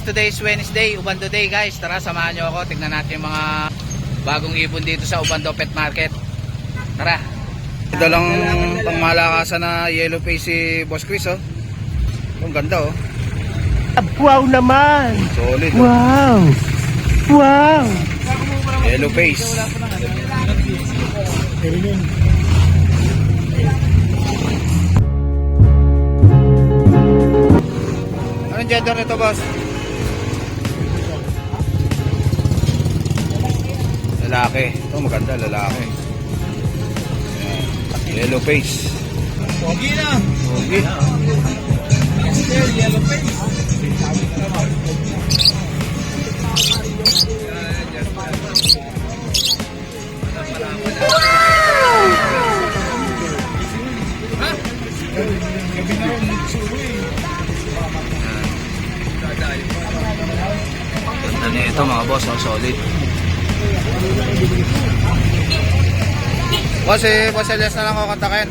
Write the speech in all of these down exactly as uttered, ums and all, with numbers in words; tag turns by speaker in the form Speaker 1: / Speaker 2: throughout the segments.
Speaker 1: today is Wednesday, Ubando Day guys. Tara, samahan nyo ako. Tignan natin yung mga bagong ibon dito sa Ubando Pet Market. Tara. Ito lang pang malakasan na yellow face si Boss Chris, oh. Ang ganda, oh.
Speaker 2: Wow naman!
Speaker 1: Solid, oh.
Speaker 2: Wow! Wow!
Speaker 1: Yellow face. Anong gender nito, boss? Lalaki. Ito maganda, lalaki. Ayan. Yellow face.
Speaker 2: Pogi na!
Speaker 1: Pogi.
Speaker 2: Yellow face.
Speaker 1: Ganda na ito mga boss, oh, solid. Boss, eh, boss Elias na lang ako kontakin.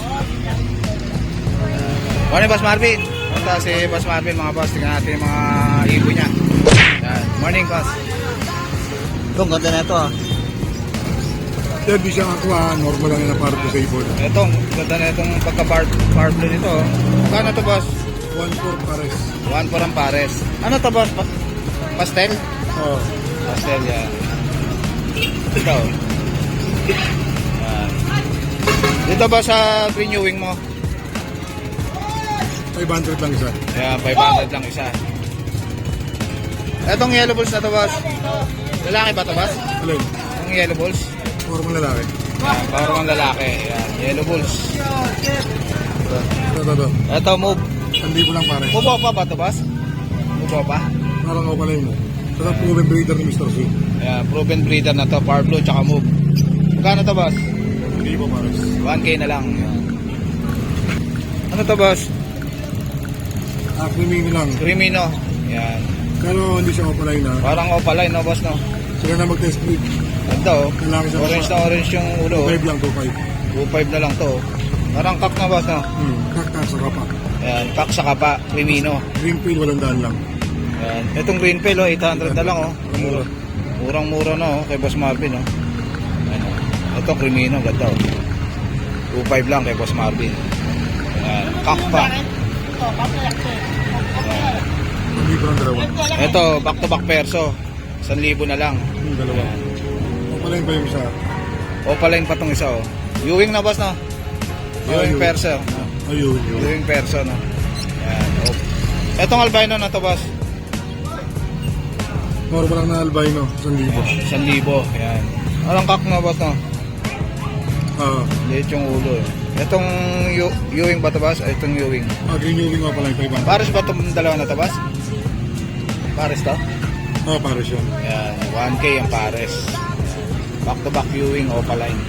Speaker 1: Morning, Boss Marvin. Punta si Boss Marvin, mga boss. Tingnan natin yung mga ibon niya. Yan. Morning, boss. Ito, ang ganda na ito, ah.
Speaker 3: Sir, di siya kakuha, normal lang yung parto sa ibon.
Speaker 1: Ito, ang ganda na itong pagka-bar blue nito, oh. Kano to, boss?
Speaker 3: one four pares.
Speaker 1: one for ang pares. Ano to, boss? Pa pastel?
Speaker 3: Oo.
Speaker 1: Pastel, yan. Ito. Yan. Dito ba sa green wing mo?
Speaker 3: five hundred lang isa.
Speaker 1: Kaya five hundred lang isa. Etong yellow balls na to, boss. Lalaki ba to, boss?
Speaker 3: Alin?
Speaker 1: Yung yellow balls?
Speaker 3: Normal lalaki.
Speaker 1: Yan, power ng lalaki. Yan, yellow balls.
Speaker 3: Ito, ito, ito.
Speaker 1: Ito, move.
Speaker 3: one thousand lang pares.
Speaker 1: Move pa ba to, boss? Move pa?
Speaker 3: Parang ako pala yun. Ito ang proven breeder ni mister Sweet.
Speaker 1: Yan, proven breeder na to. Power blue, tsaka move. Magkano to, boss?
Speaker 3: Hindi po pares.
Speaker 1: one K na lang. Yan. Ano to, boss?
Speaker 3: Ah, creamy lang.
Speaker 1: Crimino. Yan.
Speaker 3: Pero hindi siya opaline na.
Speaker 1: Parang opaline, no, boss, no?
Speaker 3: Sila na mag-test breed.
Speaker 1: Ganda, oh.
Speaker 3: Lalaki sa
Speaker 1: Orange na orange yung ulo, oh.
Speaker 3: five lang, two five.
Speaker 1: two five na lang to, oh. Parang kak na, boss, no?
Speaker 3: Hmm, kakak sa kapa.
Speaker 1: Yan, kak sa kapa, Crimino.
Speaker 3: Green pill, walang daan lang.
Speaker 1: Yan. Itong green pill, oh, eight hundred na lang, oh.
Speaker 3: Mura.
Speaker 1: Murang-mura na, oh, kay Boss Marvin, oh. Yan, oh. Ito, Crimino, ganda, oh. two five lang kay Boss Marvin. Yan, kak pa. Yan.
Speaker 3: Hindi ko lang dalawa.
Speaker 1: Ito, back-to-back perso. one thousand na lang.
Speaker 3: Yung dalawa. Opaline pa yung isa.
Speaker 1: Opaline pa tong isa, oh. Ewing na, boss, no? Ewing
Speaker 3: Ewing.
Speaker 1: perso.
Speaker 3: Ayun, yun.
Speaker 1: Ewing perso, no? Yan, oh. Etong albino na to, boss.
Speaker 3: Normal lang na albino, one thousand.
Speaker 1: one thousand. Yan. Walang kak na, boss, no?
Speaker 3: Ah,
Speaker 1: Liit yung ulo, eh. Itong Ewing ba to, boss? Ay, itong Ewing.
Speaker 3: ah, green Ewing nga pala yung five hundred.
Speaker 1: Pares ba itong dalawa na to, boss? Pares to?
Speaker 3: Ah, pares yun.
Speaker 1: Yan, one K ang pares. Back to back Ewing, opaline.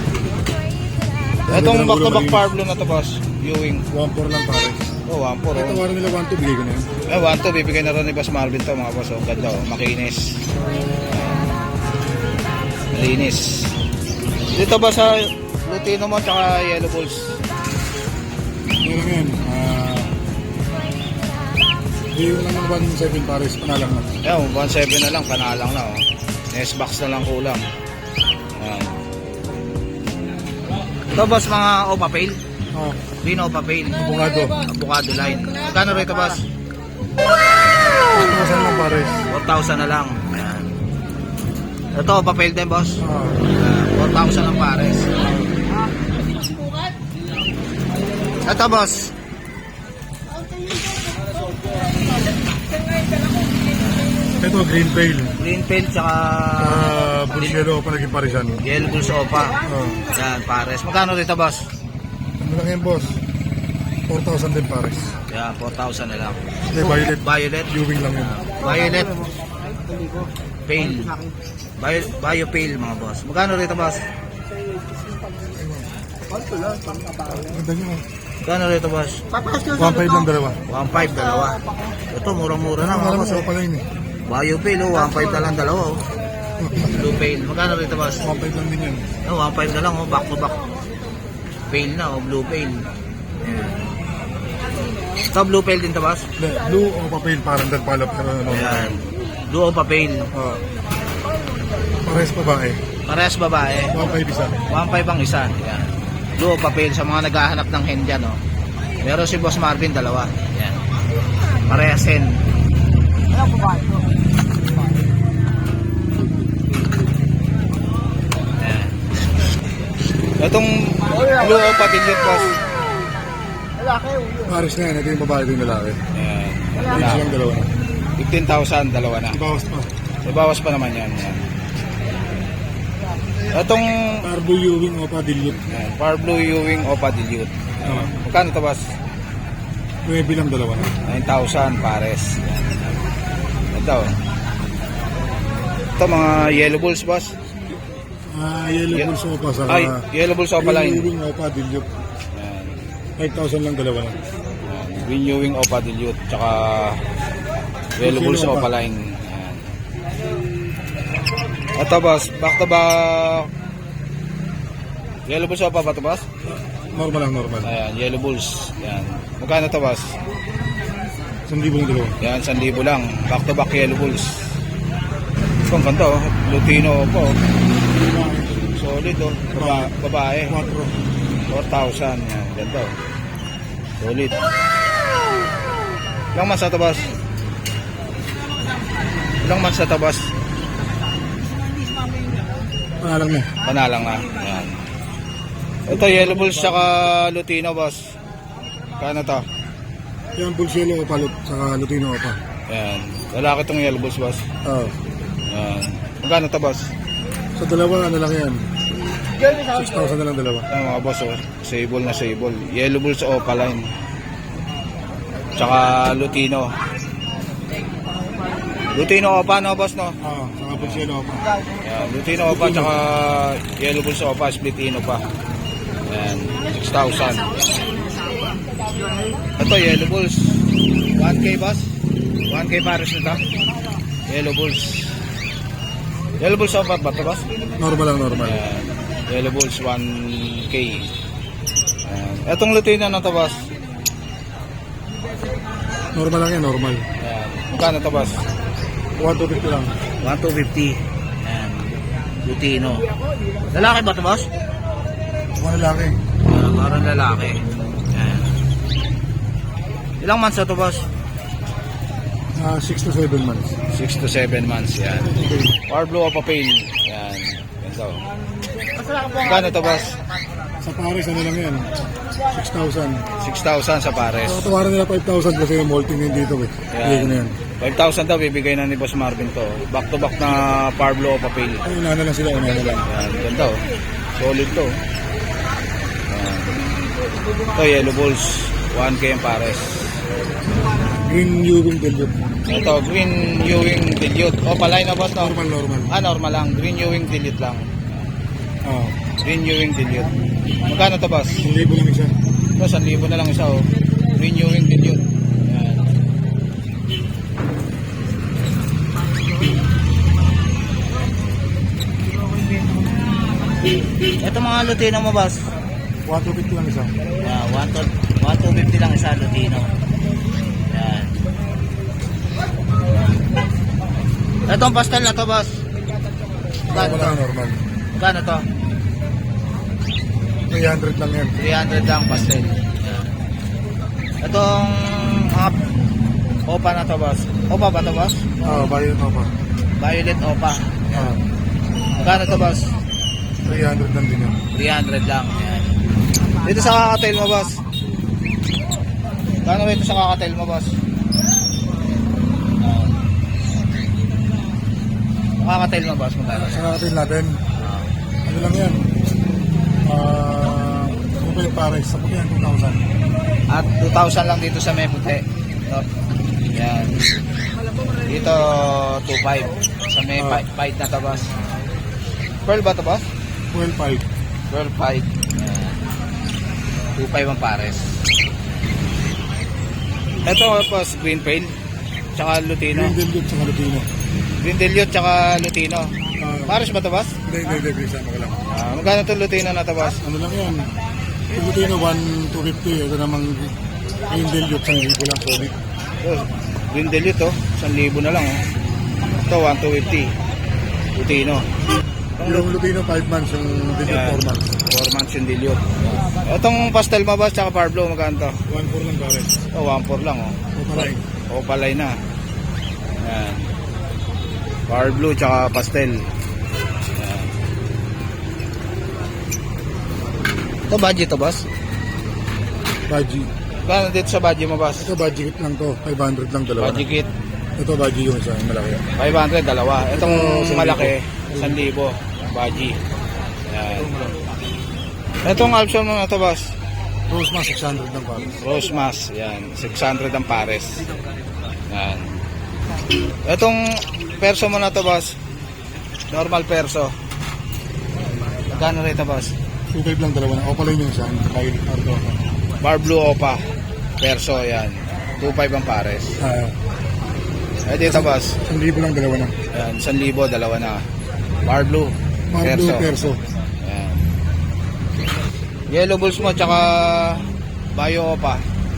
Speaker 1: Itong back to back power blue na to, boss. Ewing.
Speaker 3: one four lang pares.
Speaker 1: Oh, one four,
Speaker 3: Ito
Speaker 1: oh.
Speaker 3: wala nila one two, bigay ko na yan.
Speaker 1: Eh, one two, bibigay na rin ni Boss Marvin to, mga boss. Oh, ganda, oh. Makinis. Linis. Dito ba sa Lutino mo, tsaka Yellow Bulls?
Speaker 3: Meron yan. Ah, hindi ko lang ng one seven pares, panalang na.
Speaker 1: Yan, one seven na lang, panalang na, oh. Nest box na lang kulang. Yan. Ito, boss, mga Opa Pale.
Speaker 3: Ah,
Speaker 1: Green Opa Pale.
Speaker 3: abogado.
Speaker 1: Avocado line. Magkano rito, boss?
Speaker 3: Ito lang pares.
Speaker 1: four thousand na lang. Ayan. Ito, Opa Pale din, boss.
Speaker 3: Ah,
Speaker 1: Uh, four thousand ang pares. Ito, boss.
Speaker 3: ito green pale.
Speaker 1: Green Pale, tsaka
Speaker 3: Ah, bullshero pa naging paresan.
Speaker 1: Yellow Bulls Opa.
Speaker 3: Ah,
Speaker 1: Yan, pares. Magkano rito, boss?
Speaker 3: ano lang yan, boss? four thousand din pares.
Speaker 1: Yan, four thousand na lang.
Speaker 3: Hindi, violet.
Speaker 1: Violet.
Speaker 3: Ewing lang yun.
Speaker 1: Violet. Pale. Bio, bio Pale, mga boss. Magkano rito, boss?
Speaker 3: Ganda nyo.
Speaker 1: Magkano rito, boss?
Speaker 3: one five lang dalawa.
Speaker 1: one five, dalawa. Ito, murang-mura na, mga
Speaker 3: Alam mo,
Speaker 1: boss.
Speaker 3: sa
Speaker 1: Oh.
Speaker 3: pala yun eh.
Speaker 1: Bio Pale, oh, one five na lang dalawa, oh. Blue Pale. Magkano rito, boss?
Speaker 3: one five lang din yan.
Speaker 1: Oh, one five na lang, oh. Back to back. Pale na, oh. Blue Pale. Ayan. Ito, blue pale din to, boss?
Speaker 3: Hindi, blue o papel, parang nagpalap na ano.
Speaker 1: Ayan. Blue o papel.
Speaker 3: Oh. Parehas babae.
Speaker 1: Parehas babae.
Speaker 3: one five isa.
Speaker 1: one five ang isa. Ayan. Blue o papel sa mga naghahanap ng hen dyan, no? Meron si Boss Marvin, dalawa. Ayan. Parehas hen. Ayan. Itong blue o patilyot, boss.
Speaker 3: Pares na yan, ito yung babae, ito yung lalaki.
Speaker 1: Ayan.
Speaker 3: Ito silang dalawa na.
Speaker 1: fifteen thousand, dalawa na.
Speaker 3: Ibawas pa.
Speaker 1: Ibawas pa naman yan. Ayan. Itong
Speaker 3: Carbo Ewing o Padilute.
Speaker 1: ayan, Far Blue Ewing o patilyot.
Speaker 3: Oh.
Speaker 1: Magkano ito, boss?
Speaker 3: nueve lang dalawa na.
Speaker 1: nine thousand pares. Ito. Ito mga yellow bulls, boss.
Speaker 3: Ah, yellow
Speaker 1: Ye-
Speaker 3: bull sopa sa
Speaker 1: Ay, yellow bulls opa line.
Speaker 3: Ewing o Padilute.
Speaker 1: Ayan.
Speaker 3: five thousand lang dalawa na.
Speaker 1: Ayan. Green Ewing opa dilute. Tsaka yellow bulls
Speaker 3: Yellow
Speaker 1: opa
Speaker 3: opa.
Speaker 1: line. Ayan. Ito, boss. Back to back. Yellow bulls opa ba ito, boss?
Speaker 3: Normal lang, normal.
Speaker 1: Ayan, yellow bulls. Ayan. Magkano ito, boss?
Speaker 3: Isang libo ng dalawa.
Speaker 1: Ayan, one thousand lang. Back to back yellow bulls. Ito, ang ganda, oh. Lutino po. Solid, oh. Baba, babae.
Speaker 3: Quattro.
Speaker 1: four thousand. Yan, ganda, oh. Solid. Ilang months na ito, boss? Ilang months na ito, boss?
Speaker 3: Panalang na.
Speaker 1: Panalang na. Yan. Ito, yellow bulls saka Lutino, boss. Kano to?
Speaker 3: Yan, bull yellow o palot, saka Lutino o pa.
Speaker 1: Yan. Lalaki itong yellow bulls, boss.
Speaker 3: Oo.
Speaker 1: Yan. Magkano to, boss?
Speaker 3: Sa dalawa, ano lang yan? six thousand na lang dalawa.
Speaker 1: Yan, mga boss, oh. Sable na sable. Yellow bulls opa line. Tsaka Lutino. Lutino opa, no, boss, no?
Speaker 3: Oo, saka bull yellow o pa.
Speaker 1: Yan. Lutino opa, tsaka yellow bulls opa, splitino pa. Yan. six thousand. Ito, yellow bulls. one K, boss? one K pares nito. Yellow bulls. Yellow bulls opa ba ito, boss?
Speaker 3: Normal lang, normal.
Speaker 1: Ayan. Yellow bulls one K. Ayan. Etong Lutino na to, boss.
Speaker 3: Normal lang yan, normal.
Speaker 1: Ayan. Magkano to, boss?
Speaker 3: one two fifty lang.
Speaker 1: one two fifty. Ayan. Lutino. Lalaki ba to, boss?
Speaker 3: Mga lalaki.
Speaker 1: Uh, parang lalaki. Ayan. Ilang months na to, boss?
Speaker 3: Ah, six to seven months.
Speaker 1: six to seven months. Ayan. Or blue of a pale. Ayan. Ganito. Magkano to, boss?
Speaker 3: Sa Paris, ano lang yan? six thousand.
Speaker 1: six thousand sa pares.
Speaker 3: So, tawaran nila five thousand kasi yung molting din dito eh. Hindi ko na yan.
Speaker 1: five thousand daw bibigay na ni Boss Marvin to. Back to back na Parblo of a pale.
Speaker 3: Ay, una na lang sila, una na lang.
Speaker 1: Ayan, ganda, oh. Solid to. Ayan. Ito, yellow bulls. one K ang pares.
Speaker 3: Green Ewing Dilute.
Speaker 1: Ito, green Ewing dilute. O, palay na, boss, no?
Speaker 3: Normal, normal.
Speaker 1: Ah, normal lang. Green Ewing dilute lang.
Speaker 3: Oo.
Speaker 1: Green Ewing dilute. Magkano to, boss?
Speaker 3: Ang libo lang isa.
Speaker 1: Ito, one thousand na lang isa, oh. Green Ewing dilute. Ayan. Ito mga Lutino mo, boss.
Speaker 3: one two fifty lang isa.
Speaker 1: Yeah, one two fifty lang isa Lutino. Yan. Ito ang pastel na to, boss. Gano
Speaker 3: Normal
Speaker 1: to?
Speaker 3: lang, normal.
Speaker 1: Gano to?
Speaker 3: three hundred lang yan.
Speaker 1: three hundred lang pastel. Yan. Itong mga opa na to, boss. Opa ba to, boss?
Speaker 3: Oo, bayo ito pa.
Speaker 1: Violet opa.
Speaker 3: Oo.
Speaker 1: Gano to, boss?
Speaker 3: three hundred lang din yan.
Speaker 1: three hundred lang. Yan. Dito sa kakatail mo, boss. Gano ba ito sa kakatail mo, boss? Kakatail mo, boss, magkano?
Speaker 3: Sa natin natin, ano lang yan? Ah, ano ba yung Paris? Sa puti yan, two thousand.
Speaker 1: At two thousand lang dito sa may puti. Ito. Yan. Dito two five. Sa may
Speaker 3: Ah.
Speaker 1: five five na tabas. Pearl ba ito, boss?
Speaker 3: twelve five.
Speaker 1: Pearl five. Yan. two five ang pares. Ito, boss, green pale. Tsaka Lutino.
Speaker 3: Green Dilute sa Lutino.
Speaker 1: Green Dilute tsaka Lutino.
Speaker 3: Ah,
Speaker 1: Pares ba ito, boss?
Speaker 3: Hindi, hindi, hindi. Isama ko lang.
Speaker 1: Ah, magkano ito Lutino na ito, boss?
Speaker 3: Ano lang yan? Yung Lutino, one two fifty. Ito namang Yung dilute, isang libo lang solid.
Speaker 1: Oh, green delete oh, one thousand na lang oh. Ito, one thousand two hundred fifty. Lutino.
Speaker 3: Yung Lutino, five months. Yung dilute,
Speaker 1: Yan.
Speaker 3: four months.
Speaker 1: four months yung dilute. Itong pastel mo boss, tsaka power blue, magkano to?
Speaker 3: one four lang pare.
Speaker 1: Oh, one four lang oh.
Speaker 3: Opaline.
Speaker 1: Opaline na. Yan. Power blue tsaka pastel. Yan. Ito budget to boss?
Speaker 3: Baji.
Speaker 1: Kano dito sa budget mo boss?
Speaker 3: Ito budget lang to. five hundred lang dalawa.
Speaker 1: Budget kit
Speaker 3: Ito budget yung isa, yung malaki.
Speaker 1: five hundred dalawa. Itong
Speaker 3: Ito,
Speaker 1: malaki one thousand. Budget. Yan. Itong option mo na to boss?
Speaker 3: Rose mas six hundred lang pare.
Speaker 1: Rose Mas, yan, six hundred ang pares. Yan. Itong perso mo na to, boss. Normal perso. Magkano rito, boss?
Speaker 3: two five lang dalawa na. Opaline yung isa. Kyle Ardo.
Speaker 1: Bar Blue Opa. Perso, yan. two five ang pares.
Speaker 3: Ah,
Speaker 1: Eh, dito, boss.
Speaker 3: isang libo lang dalawa na.
Speaker 1: Yan, one thousand, dalawa na. Bar Blue.
Speaker 3: Marble
Speaker 1: Perso.
Speaker 3: perso.
Speaker 1: Yan. Yellow Bulls mo, tsaka Bayo Opa.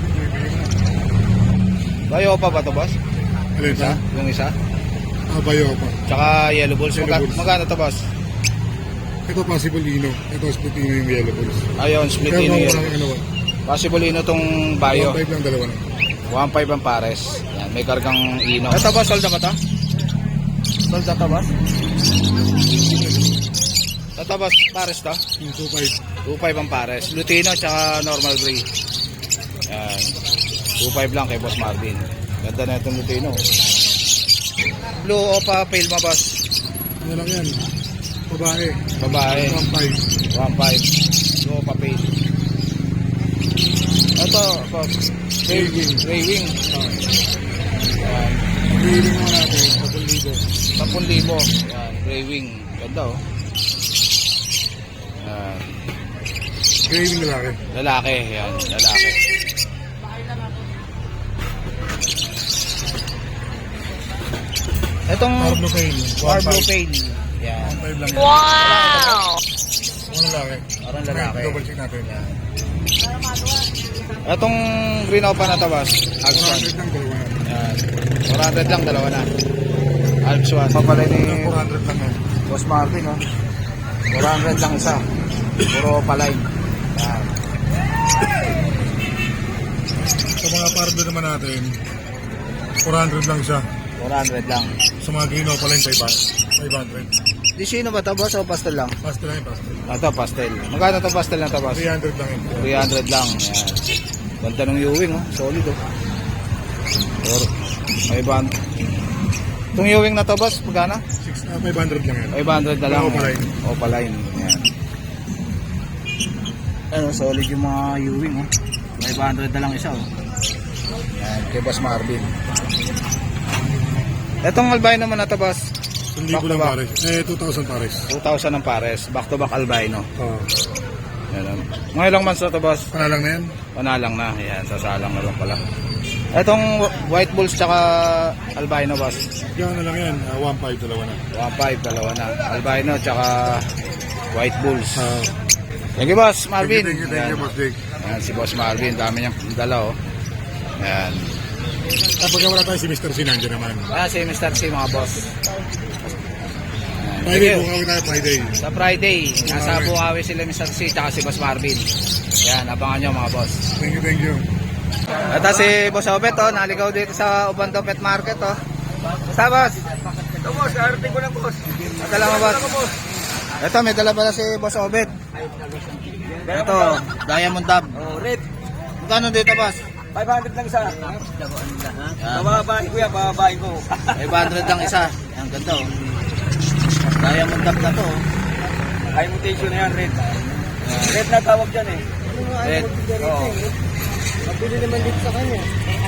Speaker 1: Bayo Opa ba to, boss?
Speaker 3: Alin
Speaker 1: Isa?
Speaker 3: ha?
Speaker 1: Yung isa?
Speaker 3: Ah, bayo pa.
Speaker 1: Tsaka Yellow Bulls.
Speaker 3: Yellow
Speaker 1: Magka-
Speaker 3: Bulls.
Speaker 1: magkano to, boss?
Speaker 3: Ito possible Ino. Ito split Ino yung yellow balls.
Speaker 1: Ayun, split
Speaker 3: Pero
Speaker 1: in
Speaker 3: kung
Speaker 1: yellow.
Speaker 3: walang ano,
Speaker 1: Possible ino tong Bayo.
Speaker 3: one five lang dalawa na.
Speaker 1: one five ang pares. Yan, may kargang ino. Ito ba, sold na ba ito? Sold na ito ba? Ito ba, pares to?
Speaker 3: Yung two five.
Speaker 1: two five ang pares. Lutino tsaka normal gray. Yan. two five lang kay Boss Marvin. Ganda na itong Lutino. Blue Opa Pale ma, boss?
Speaker 3: Ano lang yan? Babae.
Speaker 1: Babae.
Speaker 3: one five.
Speaker 1: one five. Blue Opa Pale. Ito, boss. Gray wing. Gray wing. Yan.
Speaker 3: Biling mo natin. Kapag libo.
Speaker 1: ten thousand. Yan, gray wing. Ganda oh. Yan.
Speaker 3: Graving lalaki.
Speaker 1: Lalaki, yan, lalaki. Itong
Speaker 3: Marble Pain.
Speaker 1: War Blue Pain. Yan.
Speaker 3: one five lang yan.
Speaker 4: Wow!
Speaker 3: Ano lalaki?
Speaker 1: Parang lalaki.
Speaker 3: Double check natin.
Speaker 1: Itong green opa na tabas.
Speaker 3: one
Speaker 1: Alps one.
Speaker 3: hundred lang dalawa na.
Speaker 1: Yan. four hundred lang, dalawa na. Alps one. Papalay ni
Speaker 3: four hundred lang yan.
Speaker 1: Boss Marvin, oh. four hundred lang isa. Puro palay. Yan.
Speaker 3: Sa mga pardo naman natin, four hundred lang siya.
Speaker 1: four hundred lang.
Speaker 3: Sa mga gino pala yung five hundred.
Speaker 1: Di sino ba ito, boss, o pastel lang?
Speaker 3: Pastel lang yung pastel.
Speaker 1: Ito, pastel. Magkano ito pastel na ito, boss?
Speaker 3: three hundred lang yun.
Speaker 1: three hundred lang. Ayan. Ganda ng Ewing, oh. Solid, oh. Or, may band. Itong Ewing na to, boss, magkano?
Speaker 3: Six, ah, five hundred lang yan.
Speaker 1: five hundred na lang.
Speaker 3: Opaline.
Speaker 1: Opaline. Ayan. Ano, solid yung mga Ewing, oh. five hundred na lang isa, oh. Ayan, kay Boss Marvin. Itong albino naman na to, boss.
Speaker 3: Isang
Speaker 1: Back
Speaker 3: libo
Speaker 1: to
Speaker 3: lang
Speaker 1: back.
Speaker 3: pares. Eh, two thousand pares.
Speaker 1: two thousand ang pares. Back to back albino.
Speaker 3: Oo.
Speaker 1: Ayan. Mga ilang months na to, boss?
Speaker 3: Panalang na yan.
Speaker 1: Panalang na. Ayan, sasalang na lang pala. Itong white bulls tsaka albino, boss.
Speaker 3: Yan na lang yan. Uh, one five dalawa na.
Speaker 1: one five, dalawa na. Albino tsaka white bulls.
Speaker 3: Uh,
Speaker 1: Thank you, boss Marvin.
Speaker 3: Thank you, thank you, thank you,
Speaker 1: Ayan.
Speaker 3: Boss Jake.
Speaker 1: Ayan, si Boss Marvin. Dami niyang dala, oh. Ayan.
Speaker 3: Kapag wala tayo si Mister C, nandiyan naman.
Speaker 1: Ah, si Mister C, mga boss. Ayan. Thank
Speaker 3: Friday,
Speaker 1: you.
Speaker 3: bukawi tayo Friday.
Speaker 1: Sa Friday, nasa
Speaker 3: Okay.
Speaker 1: Bukawi sila Mister C tsaka si Boss Marvin. Ayan, abangan nyo, mga boss.
Speaker 3: Thank you, thank you.
Speaker 1: Ito si Boss Obet, oh, naligaw dito sa Ubando Pet Market, oh. Basta, boss?
Speaker 2: Ito boss, arating ko lang boss.
Speaker 1: Madala mo, boss? Ito, may dala pala si Boss Obet. Ito, Diamond Dab.
Speaker 2: Oh, red.
Speaker 1: Magkano dito, boss?
Speaker 2: five hundred lang isa.
Speaker 1: Yan,
Speaker 2: Bababain ko yan, bababain ko.
Speaker 1: five hundred lang isa. Ang ganda, oh. Diamond Dab na to, oh.
Speaker 2: High mutation na yan, red. Red na tawag dyan eh.
Speaker 1: Red.
Speaker 2: Oo.
Speaker 3: Mabili naman dito sa kanya.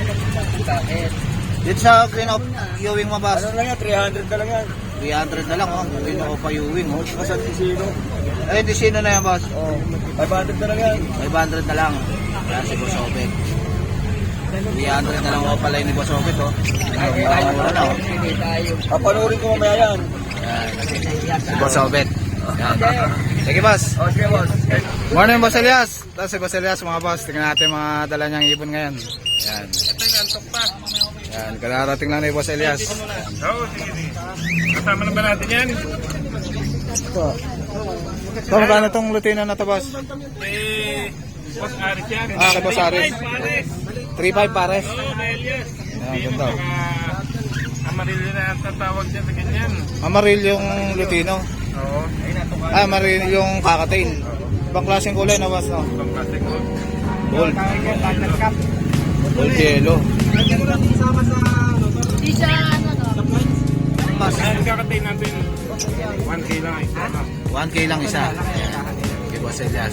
Speaker 1: Dito sa Green Oak, Ewing mo, boss?
Speaker 2: Ano lang yan, three hundred na lang yan.
Speaker 1: three hundred na lang, oh. Green Oak pa Ewing, oh.
Speaker 2: Kasal si Sino.
Speaker 1: Ay, di sino na yan, boss?
Speaker 2: Oh, five hundred na lang yan.
Speaker 1: five hundred na lang. Yan si Boss Obet. three hundred na lang ako pala ni Boss Obet, oh. Mura na, oh.
Speaker 2: Papanurin ko mamaya yan.
Speaker 1: Yan. Si Boss Obet. Yan. Sige, boss.
Speaker 2: O, sige, boss.
Speaker 1: Morning, Boss Elias. Tapos si Boss Elias, mga boss. Tingnan natin mga dala niyang ibon ngayon. Yan.
Speaker 2: Ito yung antok pa.
Speaker 1: Yan. Kararating lang ni Boss Elias. Yan.
Speaker 2: Oo, sige, sige. Kasama na ba natin yan?
Speaker 1: Ito. Ito, magkano itong Lutino na to, boss?
Speaker 2: Eh, Boss Aris yan.
Speaker 1: Ah, kay Boss Aris.
Speaker 2: Pares.
Speaker 1: three five pares.
Speaker 2: Oo, na Elias.
Speaker 1: Yan,
Speaker 2: Hindi
Speaker 1: ganda.
Speaker 2: yung mga Amarillo na ang tatawag dyan sa ganyan.
Speaker 1: Amaril yung Lutino.
Speaker 2: Oo.
Speaker 1: Ah, amaril yung kakatail. Ibang klaseng kulay na, boss, no?
Speaker 2: Ibang klase ko.
Speaker 1: Gold. Gold yellow.
Speaker 4: Di siya ano no?
Speaker 2: Ang kakatay natin, one K lang isa. no?
Speaker 1: one K lang isa. Kay Boss Elias.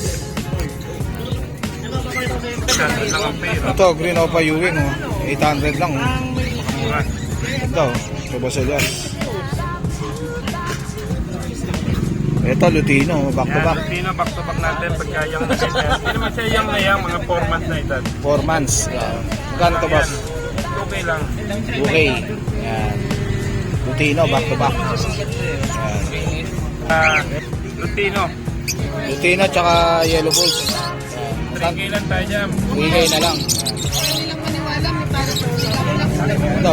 Speaker 2: Ganun lang ang pera.
Speaker 1: Ito, Green Opa Ewing, oh. eight hundred lang, oh.
Speaker 2: Mura.
Speaker 1: Ito, kay Boss Elias. Ito, Lutino, back to
Speaker 2: Yan,
Speaker 1: back.
Speaker 2: Lutino, back to back natin pagka yung na ganyan. Hindi naman siya yung na yung mga four months na edad.
Speaker 1: four months. Yan. Magkano to, boss?
Speaker 2: Okay lang.
Speaker 1: two K. Yan. Lutino, back to back. Yan.
Speaker 2: Ah, Lutino,
Speaker 1: Lutino, tsaka Yellow Bulls.
Speaker 2: three K lang tayo dyan.
Speaker 1: three K na lang.
Speaker 4: Hindi lang maniwala, may para sa ako
Speaker 1: Ito,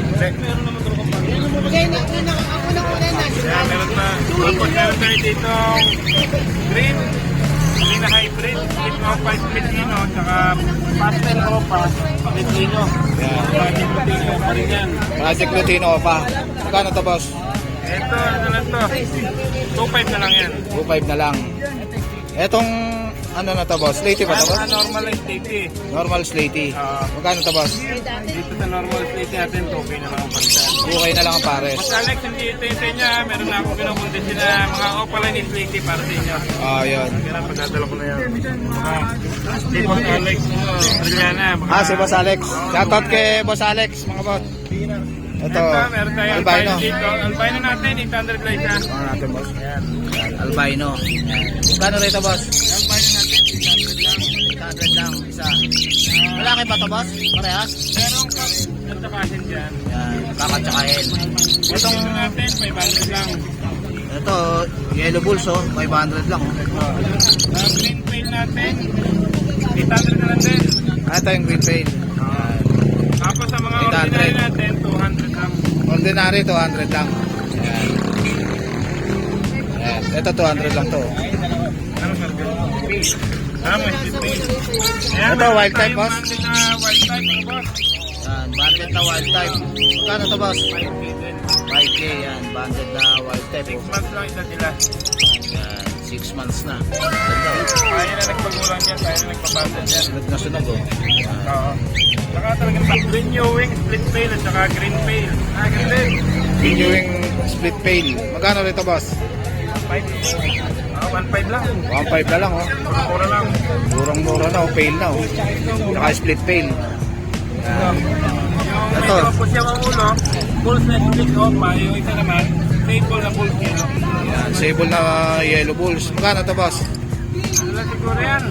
Speaker 4: Kaya na, una, ako na una na.
Speaker 2: Kaya meron na. Tapos meron tayo dito green, green na hybrid, split opa, split ino, tsaka pastel opa, split ino.
Speaker 1: yan.
Speaker 2: Project Lutino pa rin yan.
Speaker 1: Project Lutino pa. Magkano to, boss?
Speaker 2: Ito, ano lang to, two five na lang yan.
Speaker 1: two five na lang. Etong, ano na to, boss? Slaty ba to, boss?
Speaker 2: Ang normal na state
Speaker 1: Normal Slaty.
Speaker 2: Ah.
Speaker 1: Magkano to, boss?
Speaker 2: Dito sa normal state natin, two K na lang ang palitan.
Speaker 1: two K na lang ang pares.
Speaker 2: Mas Alex, hindi ito ito niya. Meron na akong pinabundisin na mga opaline is lady para sa inyo.
Speaker 1: Ah, yun.
Speaker 2: Kaya na, pagdadala ko na yan. Ah, si Boss Alex, Adriana. mga-
Speaker 1: Ah, si Boss Alex. Shoutout kay Boss Alex, mga bot. Ito,
Speaker 2: Ito, meron tayo
Speaker 1: albino.
Speaker 2: albino dito. Albino natin, eight hundred lang isa.
Speaker 1: Ano natin, boss?
Speaker 2: Ayan.
Speaker 1: Yan, albino. Magkano rito, boss?
Speaker 2: Albino natin, eight hundred lang.
Speaker 1: eight hundred lang, isa. Malaki ba to, boss? Parehas?
Speaker 2: Merong kap, ganda kasin dyan.
Speaker 1: Yan, kakatsakahin.
Speaker 2: Itong natin, five hundred lang.
Speaker 1: Ito, Yellow Bulls, oh. five hundred lang, oh.
Speaker 2: Ah, green pail natin, eight hundred na lang din.
Speaker 1: Ah, ito yung green pail.
Speaker 2: Tapos sa mga
Speaker 1: eight hundred.
Speaker 2: ordinary natin, two hundred lang.
Speaker 1: Ordinary, two hundred lang. Yan. Yan. Ito, two hundred lang to.
Speaker 2: Ano sir? Ah, may split pail. Ayan,
Speaker 1: Ito,
Speaker 2: meron
Speaker 1: wild type,
Speaker 2: tayong
Speaker 1: boss?
Speaker 2: banded na wild type, mga boss.
Speaker 1: Yan, banded na wild type. Magkano to, boss?
Speaker 2: five K din.
Speaker 1: five K, yan. Banded na wild type.
Speaker 2: Six
Speaker 1: Oh.
Speaker 2: months lang isa sila.
Speaker 1: Yan, six months na. Ganda, oh.
Speaker 2: Tayo na nagpagulang yan, tayo na nagpabanded yan.
Speaker 1: Sunog na sunog, oh.
Speaker 2: Oo. Saka talagang pa- green Ewing, split pail, at saka green pail. Ah, green pail.
Speaker 1: Renewing split pail. Magkano rito, boss?
Speaker 2: five K. Ah, one five lang.
Speaker 1: one five na lang, oh.
Speaker 2: Mura lang.
Speaker 1: Murang-mura na, oh. Pail na, oh. Saka split pail. Yan.
Speaker 2: Yung
Speaker 1: Ito.
Speaker 2: medyo po siya ang ulo, full set split opa. Yung isa naman, table na full kilo.
Speaker 1: Yan, sable na Yellow Bulls. Magkano to, boss?
Speaker 2: Ano lang siguro yan?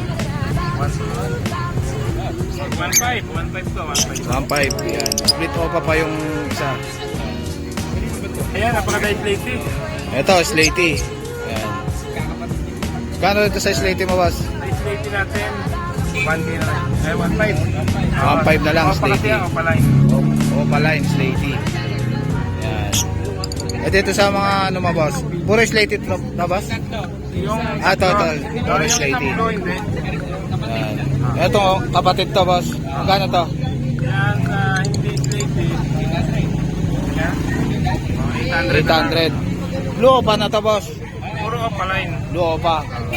Speaker 2: one five. one five to, one five.
Speaker 1: one five. Yan. Split opa pa yung isa.
Speaker 2: Ayan, napaka-dice lady.
Speaker 1: Ito, Slaty. Yan. Magkano rito sa Slaty mo, boss?
Speaker 2: Dice lady natin, one K na lang. Eh, one five.
Speaker 1: one five na lang,
Speaker 2: Opa kasi
Speaker 1: Slaty.
Speaker 2: yan, opa line.
Speaker 1: Opa line, Slaty. Yan. Eh, dito sa mga ano mo, boss? Puro Slaty to, na, boss?
Speaker 2: Yung,
Speaker 1: Ah, ito, ito.
Speaker 2: Yung
Speaker 1: Puro
Speaker 2: isang
Speaker 1: Slaty.
Speaker 2: ulo, hindi.
Speaker 1: Yan. Ito, oh, kapatid to, boss. Magkano to?
Speaker 2: Yan, ah, hindi lady. Yan. Oh, eight hundred.
Speaker 1: eight hundred. Blue opa na to, boss.
Speaker 2: Puro opa line.
Speaker 1: Blue opa.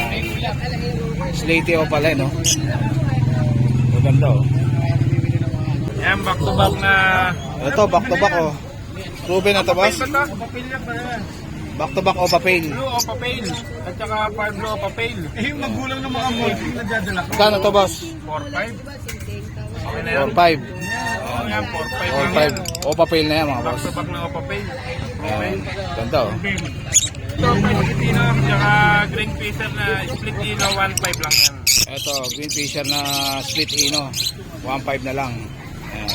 Speaker 1: Slaty opa line, no? Maganda, oh.
Speaker 2: Yan, back to back na...
Speaker 1: Ito, back to back, oh. Ruben na to, boss.
Speaker 2: Pail ba to? Papel yan pala yan.
Speaker 1: Back to back opa pail.
Speaker 2: Blue o papel. At saka par blue o papel. Eh, yung magulang ng mga multi na dadala ko.
Speaker 1: Magkano to, boss?
Speaker 2: four five. Okay na yan.
Speaker 1: four five.
Speaker 2: Oo yan, four five.
Speaker 1: four five. Opa pail na yan, mga
Speaker 2: Back
Speaker 1: boss.
Speaker 2: to back na o papel.
Speaker 1: Yan. Ganda, oh.
Speaker 2: Ito, Pilipino, tsaka green fisher na split ino, one five lang yan.
Speaker 1: Ito, green fisher na split ino. one five na lang. Ayan.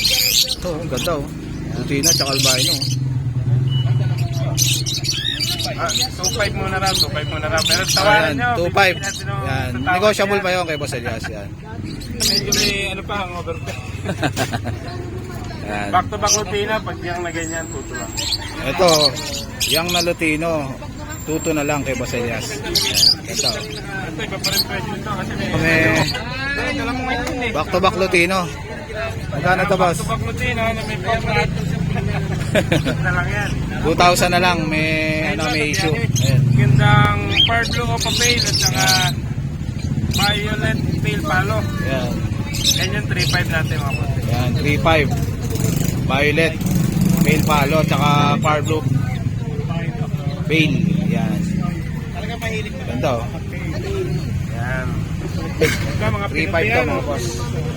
Speaker 1: Ito, ang ganda, oh. Lutino, tsaka albino, oh.
Speaker 2: Ah, two five muna raw, two five muna raw. Pero tawaran
Speaker 1: Ayan,
Speaker 2: nyo.
Speaker 1: two five.
Speaker 2: bibigyan natin ng-
Speaker 1: Yan.
Speaker 2: sa tawad
Speaker 1: Negotiable
Speaker 2: yan.
Speaker 1: pa yun kay Boss Elias. Yan.
Speaker 2: Medyo may ano pa, hangover pa.
Speaker 1: Yan.
Speaker 2: Back to back Lutino, pag yung na ganyan, tuto lang.
Speaker 1: Ito, yung na Lutino, tuto na lang kay Boss Elias. Yan. Ito.
Speaker 2: Ito, iba pa rin presyo ito kasi may...
Speaker 1: May
Speaker 2: Ay, ito lang mo ngayon eh.
Speaker 1: back to back Lutino. Magkano to, boss?
Speaker 2: Back to back Lutino, na may pamrat. na lang yan.
Speaker 1: two thousand na lang, may ano, may issue. Ayan.
Speaker 2: Gandang Far Blue Opa Pale at saka Violet Pale Palo.
Speaker 1: Yan.
Speaker 2: Yan yung three five natin mga boss.
Speaker 1: Yan, three five. Violet, Pale Palo, tsaka Far Blue Pale. Yan.
Speaker 2: Talaga mahilig na.
Speaker 1: Ganda oh.
Speaker 2: Yan. Ito mga
Speaker 1: three five to
Speaker 2: Pinoy
Speaker 1: mga boss.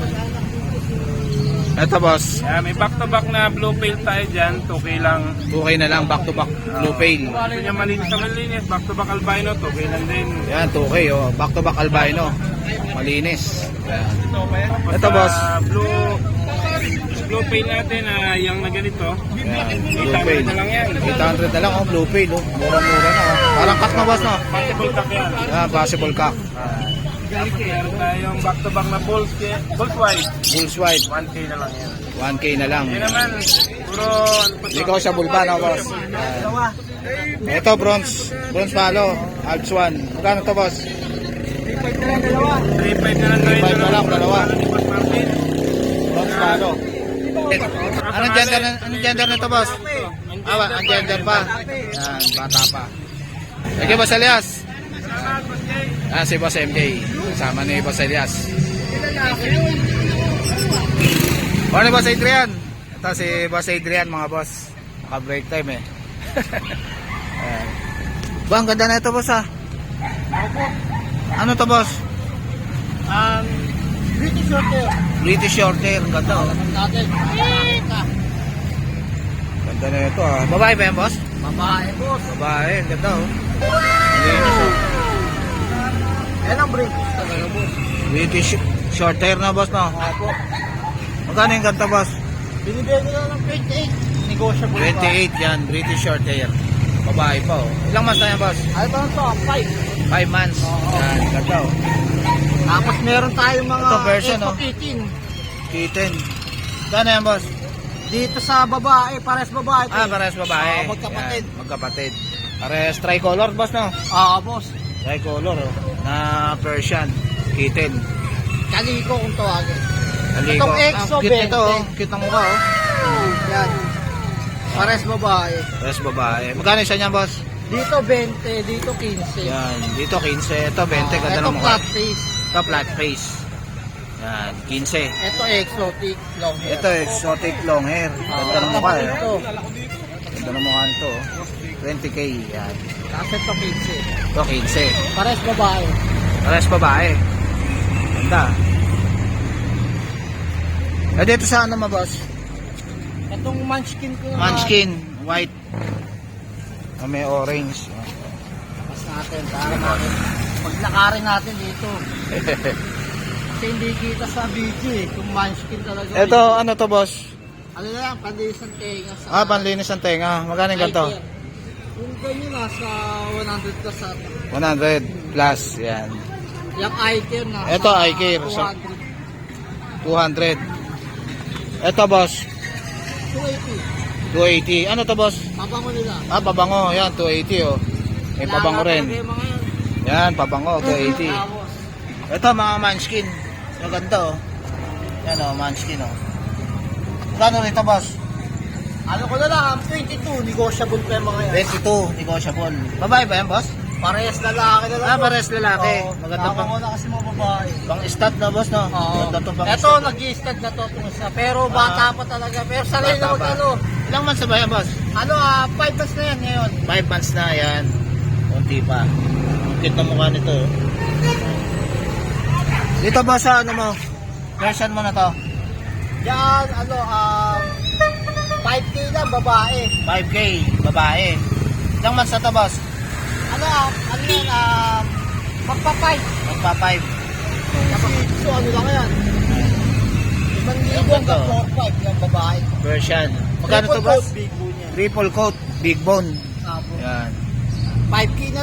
Speaker 1: Ito boss,
Speaker 2: yan, may back to back na Blue Pale tayo dyan. two K lang.
Speaker 1: two K na lang, back to back Blue Pale.
Speaker 2: Gusto niya malinis sa malinis. Back to back Albino, two K lang din.
Speaker 1: Yan, two K oh. Back to back albino. Malinis. Yan.
Speaker 2: Tapos
Speaker 1: Ito,
Speaker 2: sa
Speaker 1: boss.
Speaker 2: Blue Blue Pale natin na yung na ganito.
Speaker 1: Yan, Blue
Speaker 2: eight hundred
Speaker 1: Pale.
Speaker 2: na lang yan.
Speaker 1: eight hundred na lang oh, Blue Pale oh. Mura-mura na oh. Parang cut na boss no?
Speaker 2: Possible cup yan.
Speaker 1: Yan, possible cock.
Speaker 2: Tapos meron tayong back to back na Bulls, Bulls White.
Speaker 1: Bulls white,
Speaker 2: one K na lang yan.
Speaker 1: one K na lang.
Speaker 2: Yun naman, puro ano pa to?
Speaker 1: Hindi ko sa bulba no boss. Yan. Ito bronze, bronze palo, Alps one. Magkano to boss?
Speaker 2: three five na lang tayo.
Speaker 1: three five na lang, dalawa.
Speaker 2: Boss Martin.
Speaker 1: Bronze palo. Anong gender, anong gender nito boss? Ah, ang gender pa. Yan, bata pa. Sige boss Elias. Ah, si Boss M J. Kasama ni Boss Elias. Ano Boss Adrian? Ito si Boss Adrian mga boss. Naka-break time eh. Ayan. Ba, ang ganda na ito boss ah. Ano to boss?
Speaker 4: Um, British Shorter.
Speaker 1: British Shorthair. Ang ganda oh.
Speaker 4: Natin.
Speaker 1: Ganda na ito ah. Babae ba yan boss?
Speaker 4: Babae, boss.
Speaker 1: Babae. Ang ganda oh. Linis oh.
Speaker 4: Yan ang British talaga, boss.
Speaker 1: British Shorthair na boss no?
Speaker 4: Opo.
Speaker 1: Magkano yung ganda boss?
Speaker 4: Binibigyan ko lang ng twenty-eight. Negotiable pa.
Speaker 1: twenty-eight yan. British Shorthair. Babae pa oh. Ilang months na yan boss?
Speaker 4: Ay, ba ito? five.
Speaker 1: five months. Yan. Ganda oh.
Speaker 4: Tapos meron tayong mga
Speaker 1: Ito, version, oh.
Speaker 4: kitten.
Speaker 1: Kitten. Gano'n yan boss?
Speaker 4: Dito sa babae, pares babae.
Speaker 1: Ah, parehas babae.
Speaker 4: Oo, magkapatid.
Speaker 1: Yan, magkapatid. Parehas tricolor, boss, no?
Speaker 4: Oo, boss.
Speaker 1: Tricolor, oh. Na Persian. Kitten.
Speaker 4: Kaliko kung tawagin.
Speaker 1: Kaliko.
Speaker 4: Itong EXO,
Speaker 1: Ah, cute
Speaker 4: twenty.
Speaker 1: ito, oh. Cute ng mukha, oh.
Speaker 4: Yan. Pares babae.
Speaker 1: Parehas babae. Magkano isa niyan, boss?
Speaker 4: Dito twenty, dito fifteen.
Speaker 1: Yan. Dito, fifteen. Ito, twenty.
Speaker 4: Ah,
Speaker 1: Ganda
Speaker 4: ito
Speaker 1: ng mukha.
Speaker 4: flat face.
Speaker 1: Ito, flat face. Yan. fifteen.
Speaker 4: Ito exotic long hair.
Speaker 1: Ito, exotic long hair. Ganda ng mukha, eh.
Speaker 4: Ito.
Speaker 1: Ganda ng mukha nito, oh. twenty K. Yan.
Speaker 4: Kasi ito fifteen.
Speaker 1: Ito, fifteen.
Speaker 4: Pares babae.
Speaker 1: Parehas babae. Ganda. Eh, dito sa ano ma, boss?
Speaker 4: Itong munchkin ko naman.
Speaker 1: Munchkin, white. Ah, may orange.
Speaker 4: Mas natin, para natin. Paglakarin natin dito. Kasi hindi kita sa video eh. Kung munchkin talaga.
Speaker 1: Ito, ano to, boss?
Speaker 4: Ano na lang, pandisan tenga sa...
Speaker 1: Ah, panlinis ng tenga. Magkano yung ganito?
Speaker 4: Eye care. Yung ganyan nasa one hundred plus ata.
Speaker 1: one hundred plus. Yan.
Speaker 4: Yung eye care na.
Speaker 1: Ito, eye care.
Speaker 4: two
Speaker 1: So-
Speaker 4: hundred.
Speaker 1: two hundred. Ito, boss.
Speaker 4: two eighty.
Speaker 1: two eighty. Ano to, boss?
Speaker 4: Mabango nila.
Speaker 1: Ah, pabango. Yan, two eighty, oh. May pabango
Speaker 4: Kailangan
Speaker 1: rin.
Speaker 4: talaga yung mga yan.
Speaker 1: Yan, pabango, two eighty.
Speaker 4: Tapos,
Speaker 1: Ito, mga munchkin. Maganda, oh. Yan, oh, munchkin, oh. Magkano rin to, boss?
Speaker 4: ano ko na lang, twenty-two, negotiable pa yung mga yan.
Speaker 1: twenty-two, negotiable. Babae ba yan, boss?
Speaker 4: Parehas lalaki na lang.
Speaker 1: Ah, parehas lalaki.
Speaker 4: Oo,
Speaker 1: Maganda
Speaker 4: tama
Speaker 1: pang-
Speaker 4: ko na kasi mga babae.
Speaker 1: Pang stat na, boss, no?
Speaker 4: Oo.
Speaker 1: Ganda to pang
Speaker 4: Ito,
Speaker 1: stat.
Speaker 4: nag-i-stud na to itong isa. Pero bata pa talaga. Pero sanay
Speaker 1: Bata
Speaker 4: na
Speaker 1: pa.
Speaker 4: mag-ano.
Speaker 1: Ilang months na ba yan, boss?
Speaker 4: Ano, ah, five months na yan ngayon.
Speaker 1: five months na, yan. Kunti pa. Ang cute na mukha nito, oh. Dito, boss, sa ano mo? Version mo na to?
Speaker 4: Yan, ano, um, five K lang, babae.
Speaker 1: five K, babae. Ilang months na to, boss?
Speaker 4: Ano, ah, ano yan, um, magpa-five.
Speaker 1: Magpa five.
Speaker 4: So, ano lang yan? Limang libo
Speaker 1: Ganda.
Speaker 4: hanggang four five yung babae.
Speaker 1: Version. Magkano to,
Speaker 4: Triple
Speaker 1: boss?
Speaker 4: coat, big bone yan.
Speaker 1: Triple coat, big bone.
Speaker 4: Tapos,
Speaker 1: Yan.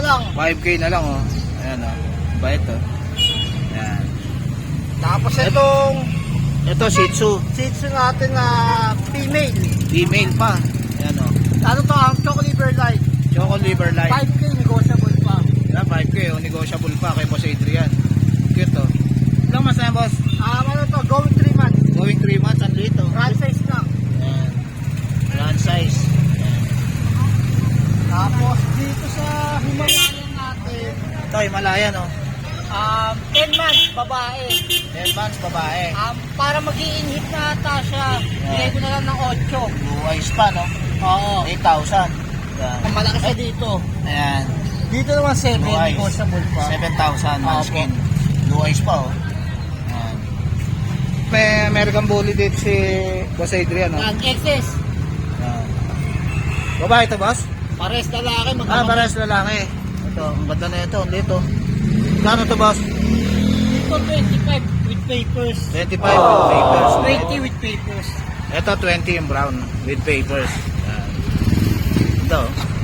Speaker 4: lang.
Speaker 1: five K na lang oh. Ayan oh. Bait oh. Ayan.
Speaker 4: Tapos itong
Speaker 1: Ito Shih Tzu.
Speaker 4: Shih Tzu natin na female.
Speaker 1: Female pa. Ayan oh.
Speaker 4: Ano to, ang Choco Liver Light.
Speaker 1: Choco Liver Light.
Speaker 4: five K negotiable pa.
Speaker 1: Ayan, five K oh. Negotiable pa kay Boss Adrian. Cute oh. Ilang mas na yan, boss?
Speaker 4: Ah, ano to, going three months.
Speaker 1: Going three months. Ang liit oh.
Speaker 4: Run size lang.
Speaker 1: Ayan. Run size. Ayan.
Speaker 4: Tapos dito sa Himalayan natin,
Speaker 1: Ito Himalayan oh.
Speaker 4: um, ten months, babae.
Speaker 1: ten months babae.
Speaker 4: Um, para mag-i-inhit na ata siya, bigay ko na lang ng eight.
Speaker 1: Blue eyes pa no?
Speaker 4: Oo.
Speaker 1: eight thousand. Ayan.
Speaker 4: Ang malaki siya dito.
Speaker 1: Ayan.
Speaker 4: Dito naman seven,
Speaker 1: Blue eyes.
Speaker 4: negotiable pa.
Speaker 1: seven thousand
Speaker 4: Opo.
Speaker 1: manskin. Blue eyes pa oh. Ayan. May American Bully dito si Boss Adrian oh.
Speaker 4: Yan, X S.
Speaker 1: Ayan. Babae ito boss?
Speaker 4: Pares lalaki,
Speaker 1: Ah,
Speaker 4: magkano?
Speaker 1: pares lalaki. Ito, ang ganda na ito. Ang dito. Kano to boss?
Speaker 4: Dito twenty-five with papers.
Speaker 1: twenty-five with papers.
Speaker 4: twenty with papers.
Speaker 1: Ito twenty yung brown with papers. Ayan. Ito.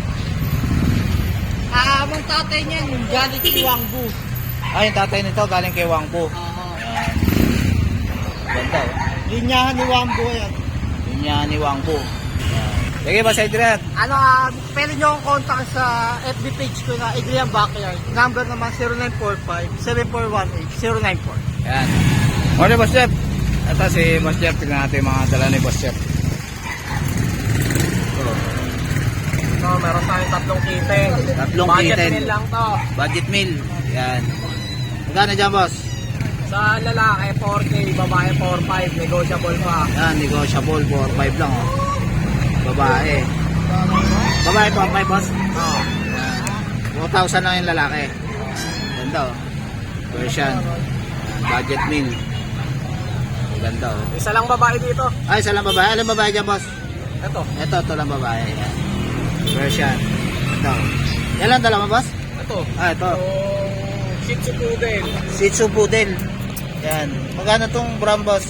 Speaker 4: Ah, ang tatay niyan, yung galing kay Wangbu.
Speaker 1: Ah, yung tatay nito galing kay Wangpo.
Speaker 4: Oo.
Speaker 1: Ayan. Ganda oh.
Speaker 4: Linyahan ni Wangbu yan.
Speaker 1: Yun yan ni Wangpo. Ayan. Sige ba sa Adrian?
Speaker 4: Ano, ah, pwede nyo akong contact sa F B page ko na Adrian Backyard. Number naman zero nine four five, seven four one eight, zero nine four.
Speaker 1: Ayan. Morning Boss Jeff. Ito si Boss Jeff. Tignan natin yung mga dala ni Boss Jeff.
Speaker 4: So, meron tayong tatlong kite.
Speaker 1: Tatlong
Speaker 4: Budget
Speaker 1: kitten.
Speaker 4: meal lang to.
Speaker 1: Budget meal. Ayan. Magkano dyan boss?
Speaker 4: Sa lalaki, four K, babae, four five, negotiable pa.
Speaker 1: Ayan, negotiable. four five lang oh. Babae. Babae four five boss?
Speaker 4: Oo.
Speaker 1: four thousand lang yung lalaki. Ganda oh. Version. Ayan, budget meal. Ganda oh.
Speaker 4: Isa lang babae dito.
Speaker 1: Ay, isa lang babae. Alam babae dyan boss?
Speaker 4: Ito.
Speaker 1: Ito, ito lang babae. Ayan. Version. Ito. Yan lang dalawa boss?
Speaker 4: Ito.
Speaker 1: Ah, ito.
Speaker 4: Yung Shih Tzu Poodle.
Speaker 1: Shih Tzu Poodle. Yan. Magkano tong brown boss?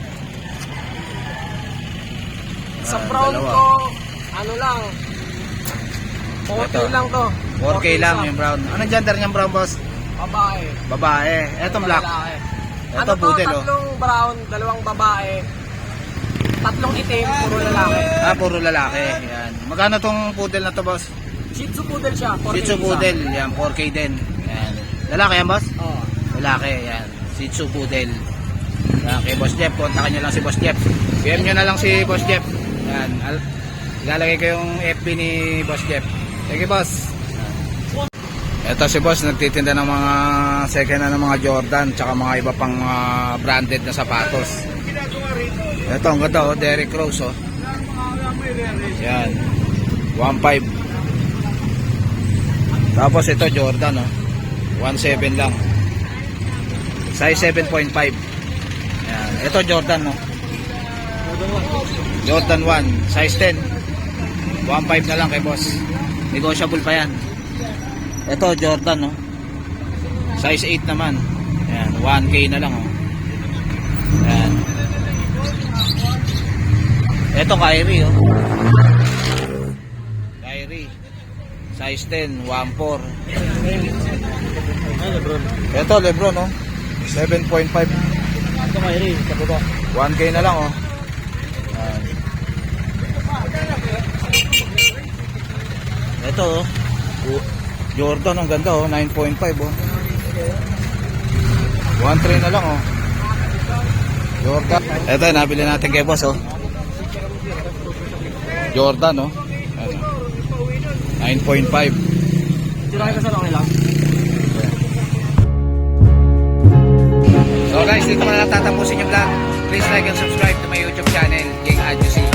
Speaker 4: Sa
Speaker 1: Ah,
Speaker 4: brown
Speaker 1: dalawa.
Speaker 4: ko, ano lang, four K
Speaker 1: Ito.
Speaker 4: lang to.
Speaker 1: four K lang
Speaker 4: isa.
Speaker 1: yung brown. Anong gender niyang brown boss?
Speaker 4: Babae.
Speaker 1: Babae. Etong black.
Speaker 4: Lalaki.
Speaker 1: Ito
Speaker 4: Ano to,
Speaker 1: poodle oh.
Speaker 4: tatlong brown, dalawang babae, tatlong itim, puro lalaki.
Speaker 1: Ah, puro lalaki. Yan. Magkano tong poodle na to boss?
Speaker 4: Shih Tzu Poodle siya, four K
Speaker 1: Shih Tzu
Speaker 4: isa.
Speaker 1: Poodle. Yan, four K din. Yan. Lalaki yan boss?
Speaker 4: Oo.
Speaker 1: Lalaki. Yan. Shih Tzu Poodle. Yan. Kay Boss Jeff. Kontakin nyo lang si Boss Jeff. P M nyo na lang si Boss Jeff. Yan. Al- Ilalagay ko yung F B ni Boss Jeff. Sige boss. Ito si boss nagtitinda ng mga second hand ng mga Jordan tsaka mga iba pang mga branded na sapatos. Ito ang ganda oh, Derrick Rose oh. Yan. one five. Tapos ito Jordan oh. one seven lang. Size seven point five. Yan. Ito Jordan oh. Jordan one, size ten. one five na lang kay boss. Negotiable pa yan. Ito Jordan no. Size eight naman. Ayan, one K na lang oh. Ayan. Ito Kyrie oh. Kyrie. Size ten, one four. Ito Lebron oh. seven point five.
Speaker 4: Ito Kyrie, sa baba.
Speaker 1: one K na lang oh. Ayan. Ito oh. Jordan, ang ganda oh, nine point five oh. one three na lang oh. Jordan. Ito, nabili natin kay boss oh. Jordan oh. Ano? nine point five.
Speaker 4: Tirahin ka sa lang lang.
Speaker 1: So guys, dito ko na lang tatapusin yung vlog. Please like and subscribe to my YouTube channel, King Adjusi.